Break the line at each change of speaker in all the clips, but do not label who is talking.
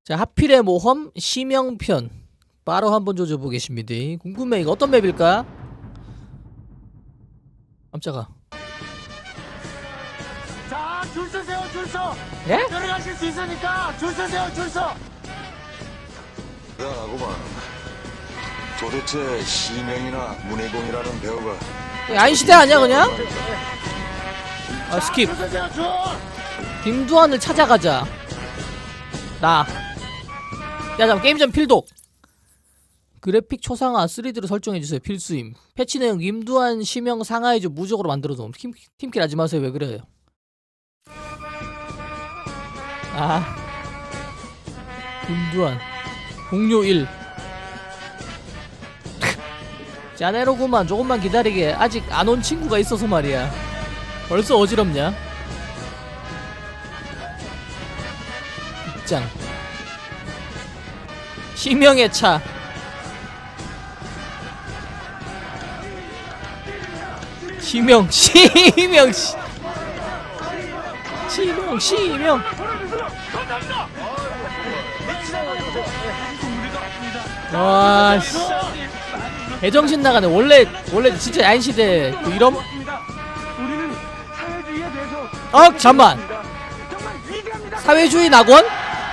자, 하필의 모험 심영편 바로 한번 조져보겠습니다. 궁금해. 이거 어떤 맵일까? 깜짝아.
자, 줄 서세요, 줄 서.
예?
들어가실 수 있으니까 줄 서세요, 줄 서.
야, 아고만. 도대체 시명이나 문해공이라는 배우가
아인시대 아니야 그냥? 아 스킵.
줄 서세요, 줄.
김두한을 찾아가자. 나. 야 잠깐 게임 전 필독. 그래픽 초상화 3D로 설정해주세요. 필수임. 패치 내용 김두한 시명 상하이즈 무적으로 만들어줘. 팀킬 하지 마세요. 왜 그래요? 아 김두한 공료 1 짜네로구만. 조금만 기다리게. 아직 안 온 친구가 있어서 말이야. 벌써 어지럽냐? 입장 시명의 차. 시명 와씨 개정신 나가네. 원래 진짜 야인시대 그 이런.
우리는 사회주의에 대해서
잠만.
정말 위대합니다.
사회주의 낙원?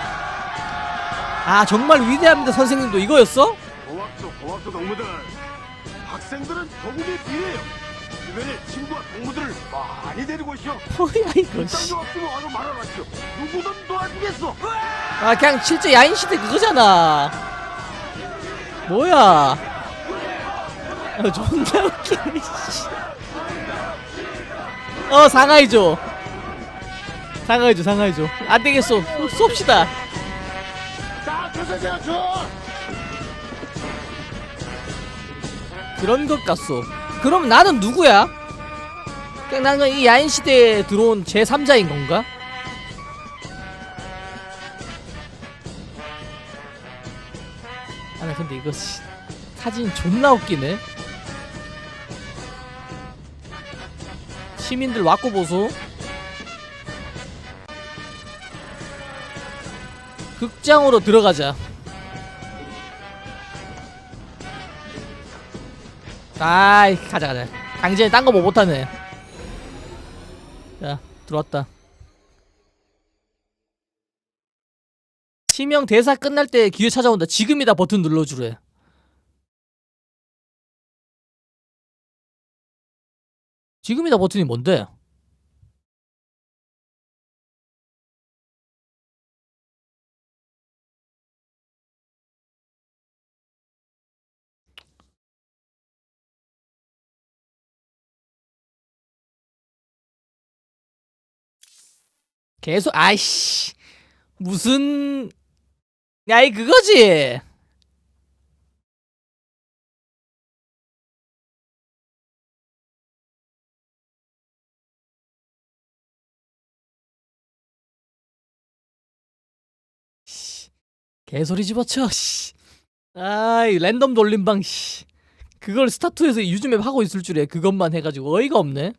아 정말 위대합니다 선생님도 이거였어?
고맙소 동무들. 학생들은 도국의 비례예요. 주변에 친구와 동무들을 많이 데리고 오시오.
뭐야 이거 씨.
땅도 없으면 와서 말하라시오. 누구든 도와주겠소.
아 그냥 실제 야인시대 그거잖아. 뭐야. 존나 웃기네 씨. 상하이죠. 안되겠어. 쏩시다.
자, 줄 서세요, 줄.
그런 것 같소. 그럼 나는 누구야? 그냥 나는 이 야인시대에 들어온 제3자인 건가? 아나 근데 이거 사진 존나 웃기네. 시민들 왔고 보소. 극장으로 들어가자. 아이 가자. 강진이 딴 거 뭐 못하네. 자 들어왔다. 시명 대사 끝날 때 기회 찾아온다. 지금이다 버튼 눌러주래. 지금이다 버튼이 뭔데? 계속 아이씨 무슨 야이 그거지. 개소리 집어쳐 씨. 아이 랜덤 돌림방 씨. 그걸 스타투에서 유즈맵 하고 있을 줄이야. 그것만 해가지고 어이가 없네.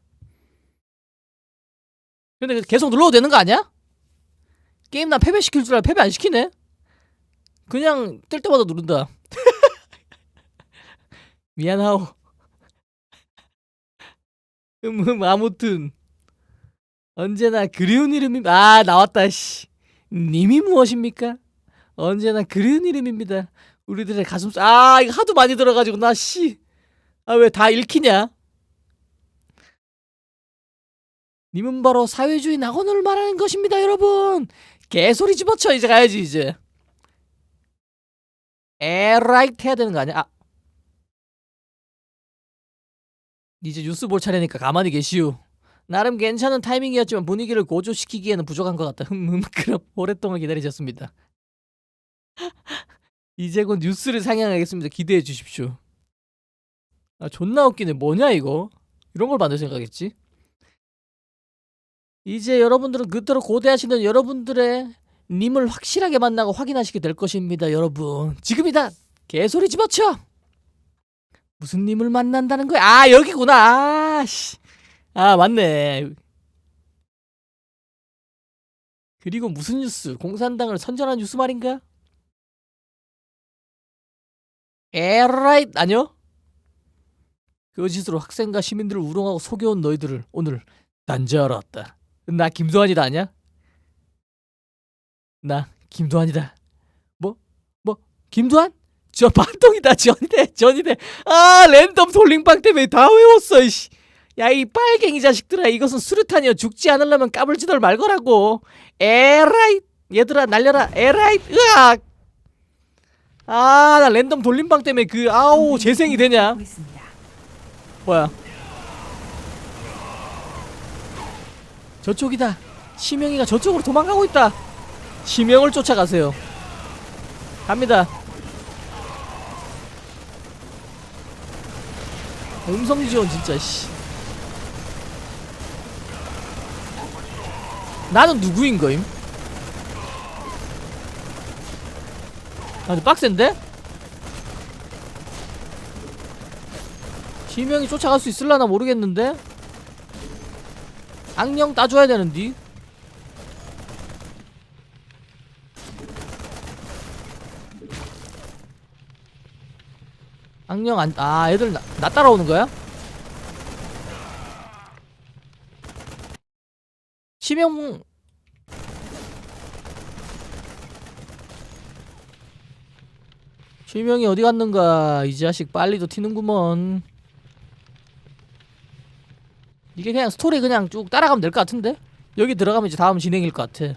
근데 계속 눌러도 되는 거 아니야? 게임 난 패배시킬 줄 알아. 패배 안 시키네. 그냥 뜰 때마다 누른다. 미안하오. 아무튼 언제나 그리운 이름이 나왔다 씨. 님이 무엇입니까? 언제나 그리운 이름입니다. 우리들의 가슴속. 이거 하도 많이 들어가지고 나 씨. 왜 다 읽히냐? 님은 바로 사회주의 낙원을 말하는 것입니다 여러분. 개소리 집어쳐. 이제 가야지 이제. 에라이트 해야 되는 거 아니야? 이제 뉴스 볼 차례니까 가만히 계시오. 나름 괜찮은 타이밍이었지만 분위기를 고조시키기에는 부족한 것 같다. 그럼 오랫동안 기다리셨습니다. 이제 곧 뉴스를 상영하겠습니다. 기대해 주십시오. 존나 웃기네. 뭐냐 이거? 이런 걸 만들 생각했지? 이제 여러분들은 그토록 고대하시는 여러분들의 님을 확실하게 만나고 확인하시게 될 것입니다 여러분. 지금이다. 개소리 집어쳐. 무슨 님을 만난다는 거야? 여기구나. 씨. 맞네. 그리고 무슨 뉴스? 공산당을 선전한 뉴스 말인가? 에라이 아니요? 거짓으로 학생과 시민들을 우롱하고 속여온 너희들을 오늘 단죄하러 왔다. 나 김도환이다 아냐? 나 김도환이다. 뭐? 김도환? 저 반동이다. 전이대. 아 랜덤 돌림방 때문에 다 외웠어. 이씨. 야 이 빨갱이 자식들아, 이것은 수류탄이여. 죽지 않으려면 까불지들 말거라고. 에라이 얘들아 날려라. 에라이 으악. 아 나 랜덤 돌림방 때문에 그 아우 재생이 되냐. 뭐야 저쪽이다. 심영이가 저쪽으로 도망가고 있다. 심영을 쫓아가세요. 갑니다. 음성지원 진짜 씨. 나는 누구인 거임? 아주 빡센데? 심영이 쫓아갈 수 있을라나 모르겠는데? 악령 따줘야 되는디? 악령 애들 나 따라오는 거야? 심영 심영이 어디 갔는가? 이 자식 빨리도 튀는구먼. 이게 그냥 스토리 그냥 쭉 따라가면 될 것 같은데? 여기 들어가면 이제 다음 진행일 것 같아.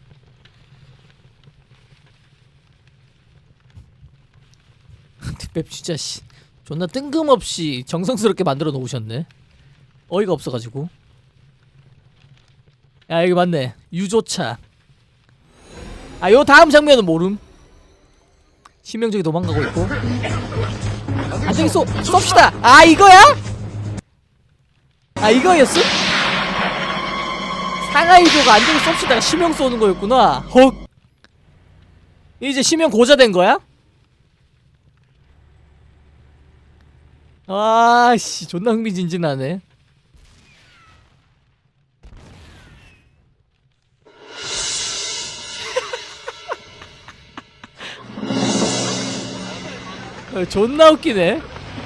뒷맵 진짜 씨 존나 뜬금없이 정성스럽게 만들어 놓으셨네. 어이가 없어가지고. 야 여기 맞네. 유조차. 아 요 다음 장면은 모름. 심영적이 도망가고 있고. 안되기 쏩시다. 아 이거야? 아 이거였어? 상하이조가 안되기 쏩시다가 심영 쏘는 거였구나. 헉. 이제 심영 고자 된 거야? 아씨 존나 흥미진진하네. 존나 웃기네.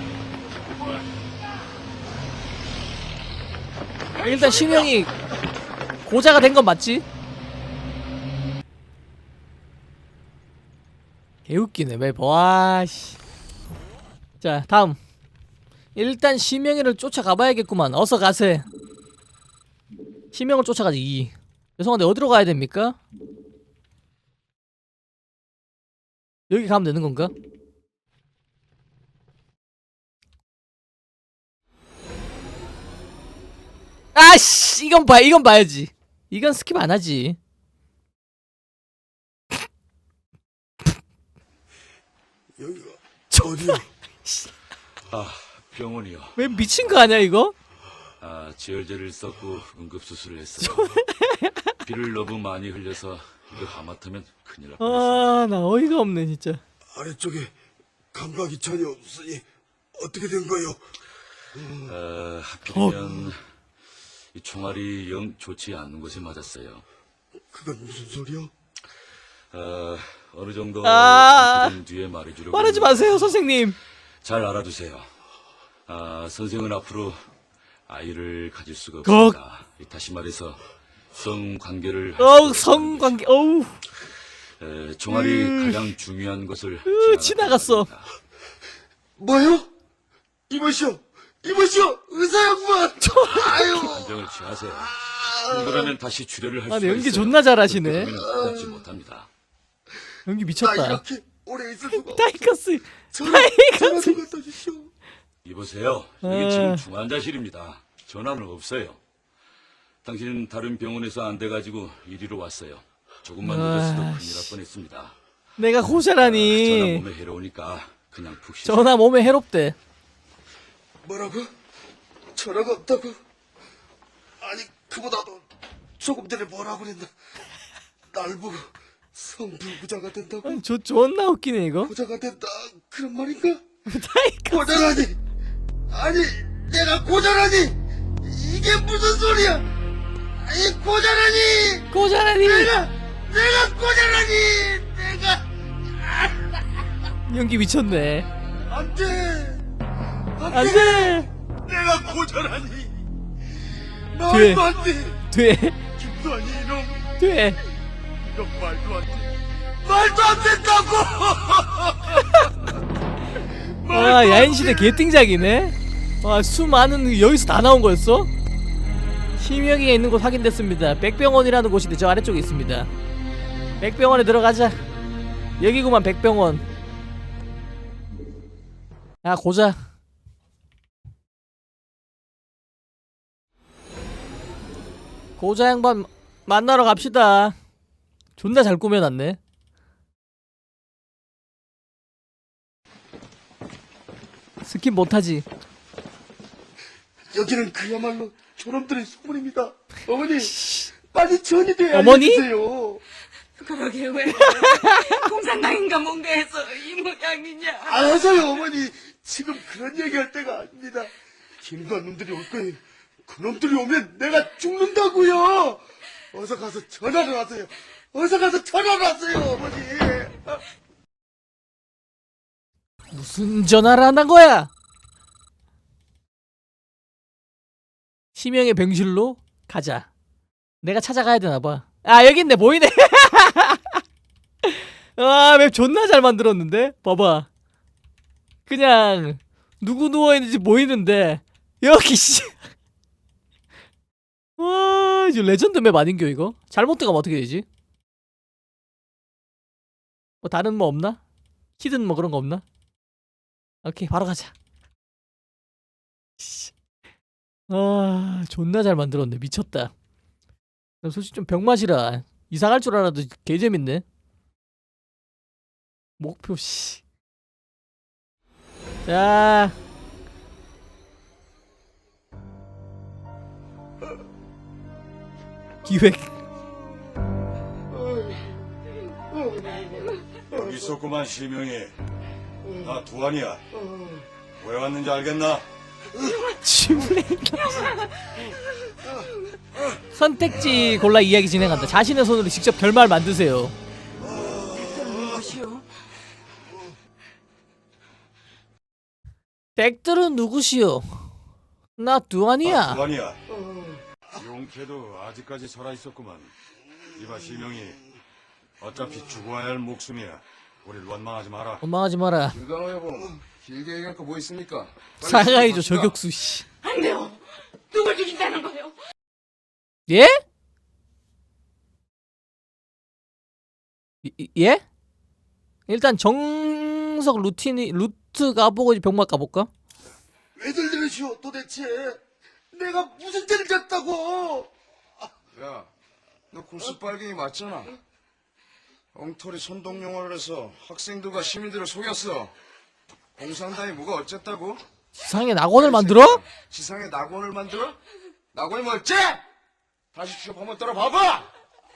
일단 심영이 고자가 된 건 맞지? 개웃기네 매번. 와씨. 자 다음. 일단 심영이를 쫓아가봐야겠구만. 어서 가세. 심영을 쫓아가지. 죄송한데 어디로 가야 됩니까? 여기 가면 되는 건가? 아씨 이건 봐야지. 이건 스킵 안 하지.
여기가 어디야?
아, 병원이요.
왜 미친 거 아니야 이거?
아, 지혈제를 썼고 응급수술을 했어요. 피를 너무 많이 흘려서 이거 하마터면 큰일 날 뻔했어요.
아 나 어이가 없네 진짜.
아래쪽에 감각이 전혀 없으니 어떻게 된 거요?
하필이면 이 총알이 영 좋지 않는 곳에 맞았어요.
그건 무슨 소리야?
어느 정도 뒤에 말해주려고.
말하지 마세요 선생님.
잘 알아두세요. 선생은 앞으로 아이를 가질 수가 없습니다. 다시 말해서 성관계를
성관계 어우
종아리 가장 중요한 것을
지나갔어.
뭐요? 이보시오, 의사 양반. 아유.
판정을 취하세요. 그러면 다시 주례를 할
아,
수가
연기
있어요.
존나 잘하시네.
그러면 받지 못합니다.
연기
나
미쳤다.
이렇게 오래 있을 수가.
타이커스.
전화 좀 갖다 주시오.
이보세요. 여기 지금 중환자실입니다. 전화는 없어요. 당신은 다른 병원에서 안 돼가지고 이리로 왔어요. 조금만 늦었어도 큰일 날 뻔했습니다.
내가
전화
고자라니.
몸에 해로우니까 그냥 푹 쉬세요.
전화 몸에 해롭대.
뭐라고? 전화가 없다고? 아니 그보다도 조금 전에 뭐라고 그랬나? 날 보고 성불부자가 된다고?
저 존나 웃기네 이거.
부자가 된다 그런 말인가?
타이커스.
고자라니! 아니 내가 고자라니! 이게 무슨 소리야! 이 고자라니!
고자라니
내가 고자라니! 내가
연기 미쳤네.
안 돼!
안돼.
내가 고자라니!
돼.
말도 안 돼!
돼.
김도환이 이놈!
돼.
이건 말도 안 돼! 말도 안 된다고!
와 야인시대 개띵작이네. 와 수많은 여기서 다 나온 거였어? 심혁이가 있는 곳 확인됐습니다. 백병원이라는 곳인데 저 아래쪽에 있습니다. 백병원에 들어가자. 여기구만 백병원. 야 고자. 고자 양반 만나러 갑시다. 존나 잘 꾸며놨네. 스킵 못하지.
여기는 그야말로 저놈들의 소문입니다. 어머니, 빨리 전이돼
어머니?
알려주세요.
그러게 왜 공산당인가 뭔가 해서 이 모양이냐.
알아서요, 어머니. 지금 그런 얘기할 때가 아닙니다. 김도한 놈들이 올 거예요. 그놈들이 오면 내가 죽는다고요. 어서 가서 전화를 하세요. 어서 가서 전화를 하세요, 어머니.
무슨 전화를 안 한 거야? 심형의 병실로 가자. 내가 찾아가야 되나봐. 아 여기 있네. 보이네. 아 맵 존나 잘 만들었는데. 봐봐. 그냥 누구 누워있는지 보이는데 여기 씨. 와 이제 레전드 맵 아닌겨 이거? 잘못 들어가면 어떻게 되지? 뭐 다른 뭐 없나? 히든 뭐 그런 거 없나? 오케이 바로 가자. 아 존나 잘 만들었네. 미쳤다. 난 솔직히 좀 병맛이라 이상할 줄 알아도 개재밌네. 목표 씨. 자 기획.
여기 있었구만 시명이. 나 두환이야. 왜 왔는지 알겠나?
선택지 골라 이야기 진행한다. 자신의 손으로 직접 결말 만드세요.
누구시오?
댁들은 누구시오? 나 두환이야.
두환이야. 용케도 아직까지 살아있었구만. 이봐 시명이. 어차피 죽어야 할 목숨이야. 우릴 원망하지 마라.
원망하지 마라.
김강호 여보, 길게 얘기할 거 뭐 있습니까?
사과해줘 저격수 씨.
안 돼요. 누굴 죽인다는 거요?
예? 예? 일단 정석 루트 가보고 병맛 가볼까?
왜들 이러시오, 도대체? 내가 무슨 죄를 졌다고?
야, 너 골수 빨갱이 맞잖아. 엉터리 선동용어를 해서 학생들과 시민들을 속였어. 공산당이 뭐가 어쨌다고?
지상에 낙원을 만들어?
지상에 낙원을 만들어? 낙원이 뭐 어째? 다시 취업 한번 떨어봐봐!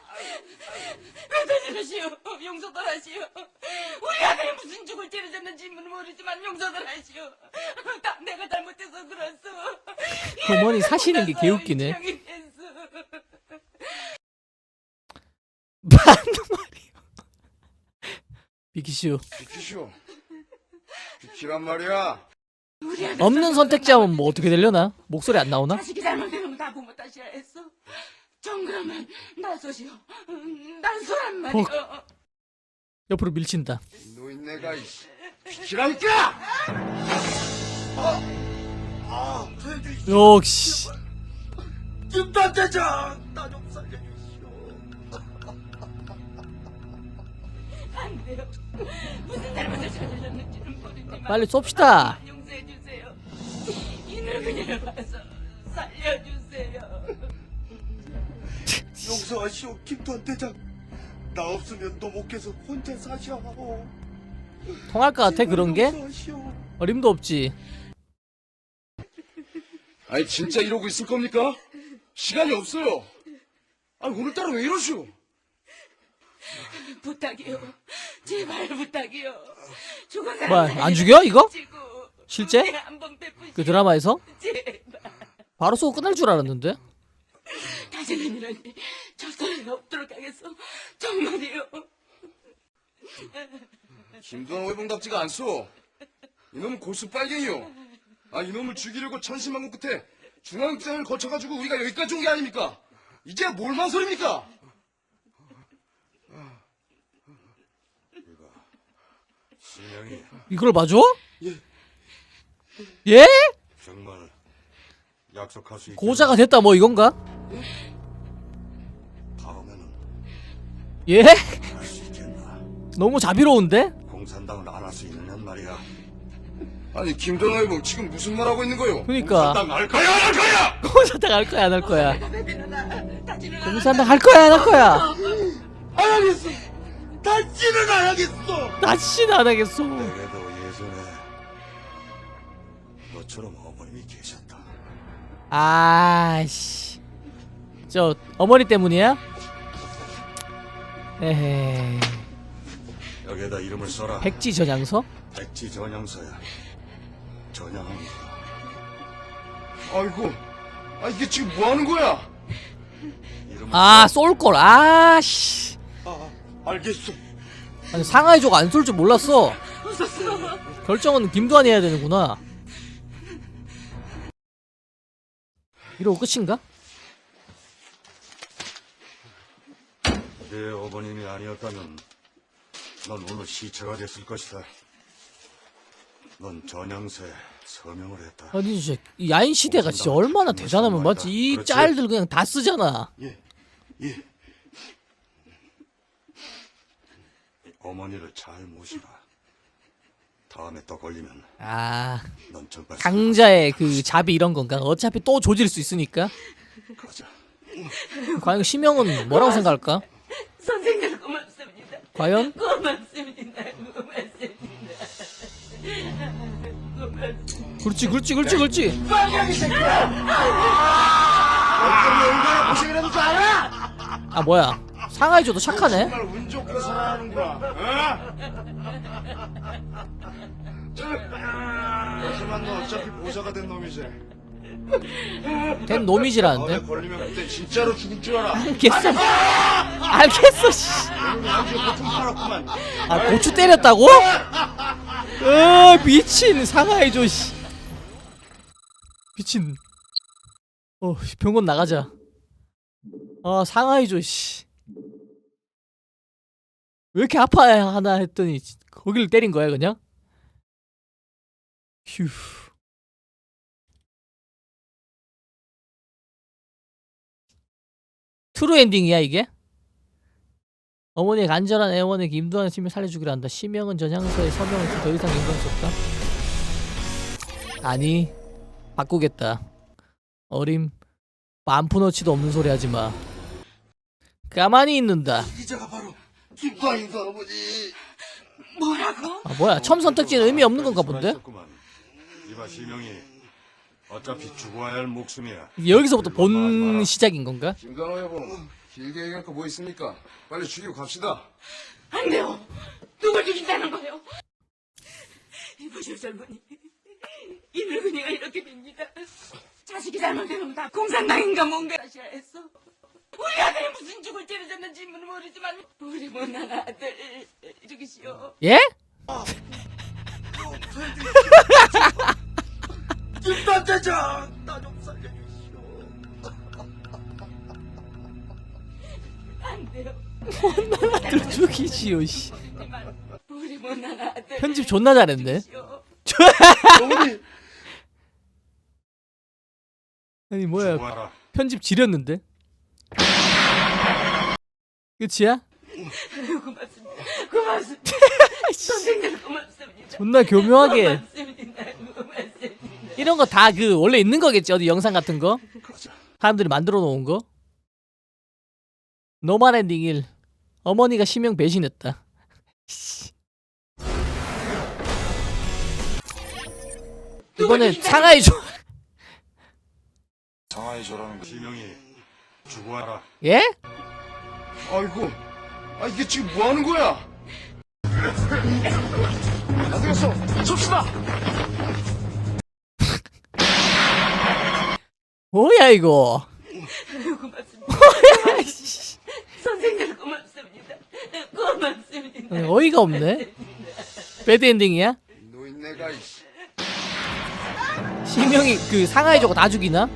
왜들 이러시오? 용서들 하시오. 우리 아들이 무슨 죽을 죄를 졌는지 모르지만 용서들 하시오. 다 내가 잘못해서 그랬어.
어머니 사시는 게 개웃기네.
병이 됐어.
맞는 말이요. 비키슈.
비키쇼. 비키란 말이야.
우리 아들
없는 선택지하면 뭐 어떻게 되려나? 목소리 안 나오나?
자식이 잘못되는 거 다 부모 탓이라 했어. 정 그러면 나서시오. 난 소란 말이오.
옆으로 밀친다.
노인네가 비키라니까!
역시.
김도한 대장, 나 좀 살려주시오.
안 돼요. 무슨 잘못을 저질렀는지는 모르지만
빨리 쏩시다.
용서해 주세요. 이 늙은이를 봐서 살려주세요.
용서하시오, 김도한 대장. 나 없으면 노목께서 혼자 사시오.
통할 것 같아 그런 게?
용서하시오.
어림도 없지.
아니 진짜 이러고 있을 겁니까? 시간이 없어요. 아니 오늘따라 왜 이러시오?
부탁이요. 제발 부탁이요. 죽은 사람
뭐야, 안 죽여, 이거?
살려주시고
실제?
은혜 한번 베푸시오.
그 드라마에서?
제발.
바로 쏘고 끝날 줄 알았는데?
다시 다시는 이런 일 저서리가 없도록 하겠어. 정말이요.
김두한 회봉답지가 않소. 이놈은 골수 빨갱이요. 이놈을 죽이려고 천신만고 끝에 중앙장을 거쳐가지고 우리가 여기까지 온 게 아닙니까? 이제 뭘 망설입니까?
시명이
이걸 봐줘? 예?
정말 약속할 수 있겠나?
고자가 됐다 뭐 이건가?
다음에는
예?
할 수 있겠나?
너무 자비로운데?
공산당을 안 할 수 있느냐는 말이야.
아니 김두한 회봉 지금 무슨 말 하고 있는 거요?
그니까
공산당 할 거야 안 할 거야?
공산당 할 거야 안 할 거야?
다시는
공산당 할 거야 안 할 거야?
안 하겠어. 다시는 안 하겠어.
다시는 안 하겠어.
내게도 예전에 너처럼 어머님이 계셨다.
아씨, 저 어머니 때문이야? 에헤이,
여기에다 이름을 써라.
백지 저장소?
백지 전향서야. 전향한 거.
아이고, 이게 지금 뭐 하는 거야?
이름을
아, 쏠걸. 아씨,
알겠어.
아니 상하이조가 안 쏠 줄 몰랐어. 결정은 김두한이 해야 되는구나. 이러고 끝인가?
내 어머님이 아니었다면 넌 오늘 시체가 됐을 것이다. 넌 전향서에 서명을 했다.
아니 진짜 이 야인 시대가 진짜 얼마나 대단하면 맞지? 이
그렇지.
짤들 그냥 다 쓰잖아.
예.
어머니를 잘 모시라. 다음에 또 걸리면
아,
넌 정말
강자의 그 자비 이런 건가? 어차피 또 조질 수 있으니까.
가자.
과연 시명은 뭐라고 생각할까?
선생님 고맙습니다.
과연?
고맙습니다. 고맙습니다.
그렇지.
빨갱이 새끼야. 어떤 영광의 고생이라는 줄 알아?
아 뭐야? 상하이조도 착하네.
정말 운 좋게 살아가는구나. 하지만 너 어차피 보사가 된 놈이지.
된 놈이지라는데.
너네 걸리면 그때 진짜로 죽을 줄 알아.
알겠어. 알겠어. 씨.
아주 고통 팔았구만.
아 고추 때렸다고? 미친 상하이조 씨. 미친. 병원 나가자. 아 상하이조 씨. 왜 이렇게 아파하나 했더니 거기를 때린 거야 그냥? 휴. 트루 엔딩이야 이게? 어머니의 간절한 애원에 김두한 시민 살려주기로 한다. 시명은 전향서에 서명을 더 이상 인정할 수 없다. 아니 바꾸겠다. 어림 만푸너치도 없는 소리 하지마. 가만히 있는다.
이자가 바로 김광인도 아버지.
뭐라고?
아 뭐야 첨 선택지는 의미 없는 건가 본데?
이봐 시명이 어차피 죽어야 할 목숨이야.
여기서부터 본 시작인 건가?
김두한 회봉, 길게 얘기할 거 뭐 있습니까? 빨리 죽이고 갑시다.
안 돼요. 누굴 죽인다는 거예요? 이보시오 젊은이. 이 늙은이가 이렇게 됩니다. 자식이 잘못되면 다 공산당인가 뭔가 하셔야 했어. 우리 아들이 무슨 죽을 죄를 졌는지 모르지만 우리 못난 아들 죽이시오.
예?
김단 대장 나 좀 살려주시오.
안 돼요.
아들 죽이지요 씨.
우리 못난 아들
편집 존나 잘했네.
죽이시오.
어머니.
아니 뭐야
죽어라.
편집 지렸는데? 끝이야?
고맙습니다. 고맙습니다. 선생님 고맙습니다.
존나 교묘하게
고맙습니다. 고맙습니다.
이런 거 다 그 원래 있는 거겠지 어디 영상 같은 거
가자.
사람들이 만들어 놓은 거. 노말 엔딩 1 어머니가 시명 배신했다. 이번에 상하이조
상하이조라는 시명이 죽어라.
예?
아이고, 이게 지금 뭐 하는 거야? 안 되겠어, 섭시다.
뭐야 이거?
고맙습니다.
뭐야 씨.
선생님 고맙습니다. 고맙습니다.
어이가 없네. 배드 엔딩이야?
노인네가 이씨.
심형이 그 상하이 저거 다 죽이나?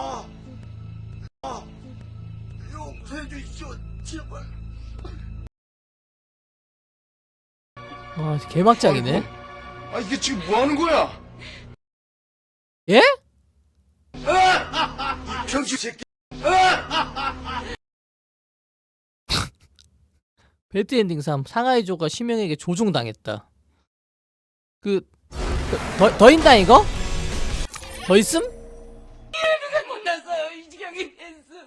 용서해 주십시오, 제발.
와 개막장이네.
아 이게 지금 뭐 하는 거야?
예?
병신 새끼.
배드 엔딩 3 상하이조가 심형에게 조종당했다. 더 있나 이거? 더 있음?
못났어요. 이 지경이 됐어.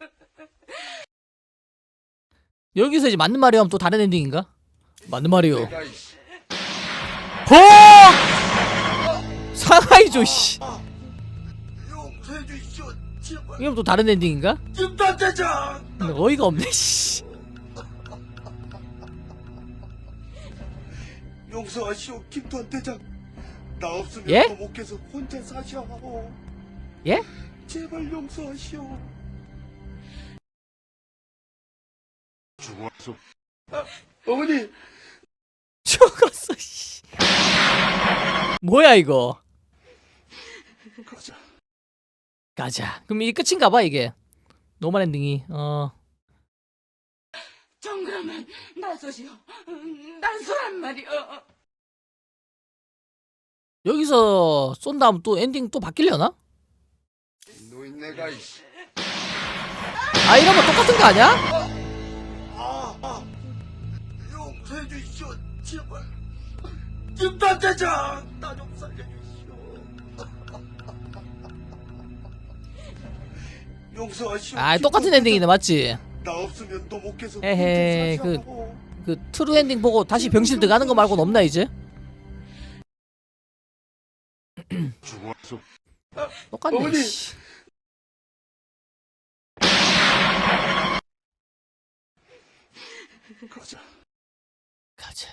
여기서 이제 맞는 마리오 하면 또 다른 엔딩인가? 맞는 마리오.
내가 이씨.
호! 상하이조 씨.
용서해 주십시오, 제발.
이건 또 다른 엔딩인가?
김단대장.
근데 어이가 없네 씨.
용서하시오, 김단대장. 나 없으면
예?
도목께서 혼자 사시오.
예?
제발 용서하시오.
죽어서
어머니,
죽었어 씨. 뭐야 이거?
가자.
가자. 그럼 이게 끝인가 봐 이게. 노멀 엔딩이.
정 그러면 나서시오. 나서란 말이오.
여기서 쏜 다음 또 엔딩 또 바뀌려나?
노인네가 이씨.
아 이러면 똑같은 거 아니야?
용서해 주십시오, 제발. 김단대장, 나 좀 살려주시오. 용서하시오.
아 똑같은
김단대장.
엔딩이네 맞지?
나 없으면 도목께서
에헤이,
혼자 사시오.
그 트루 엔딩 보고 다시 병실 들어가는 거 말고는 없나 이제?
죽어서
똑같네
어머니.
씨.
가자.
가자.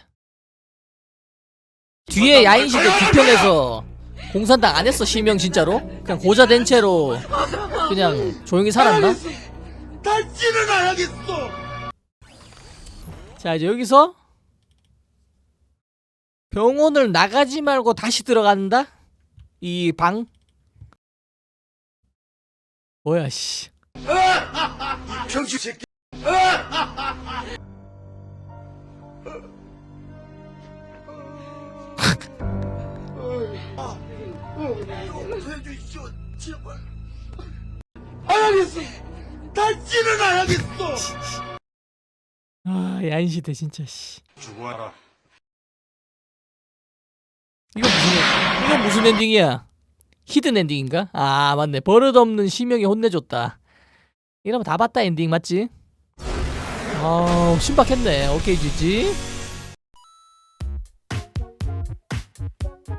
뒤에 야인시대 뒤편에서 공산당 안 했어 실명 진짜로? 그냥 고자 된 채로 그냥 조용히 살았나?
다시는 안 하겠어.
자 이제 여기서 병원을 나가지 말고 다시 들어간다? 이 방? 뭐야 씨.
병신 새끼. 용서해 주십시오, 제발. 안 하겠어. 다시는 안 하겠어.
아 야인시대 진짜 씨.
죽어라.
이건 무슨 엔딩이야? 히든 엔딩인가? 아 맞네 버릇없는 심형이 혼내줬다. 이러면 다 봤다 엔딩 맞지? 아우 신박했네. 오케이 지지.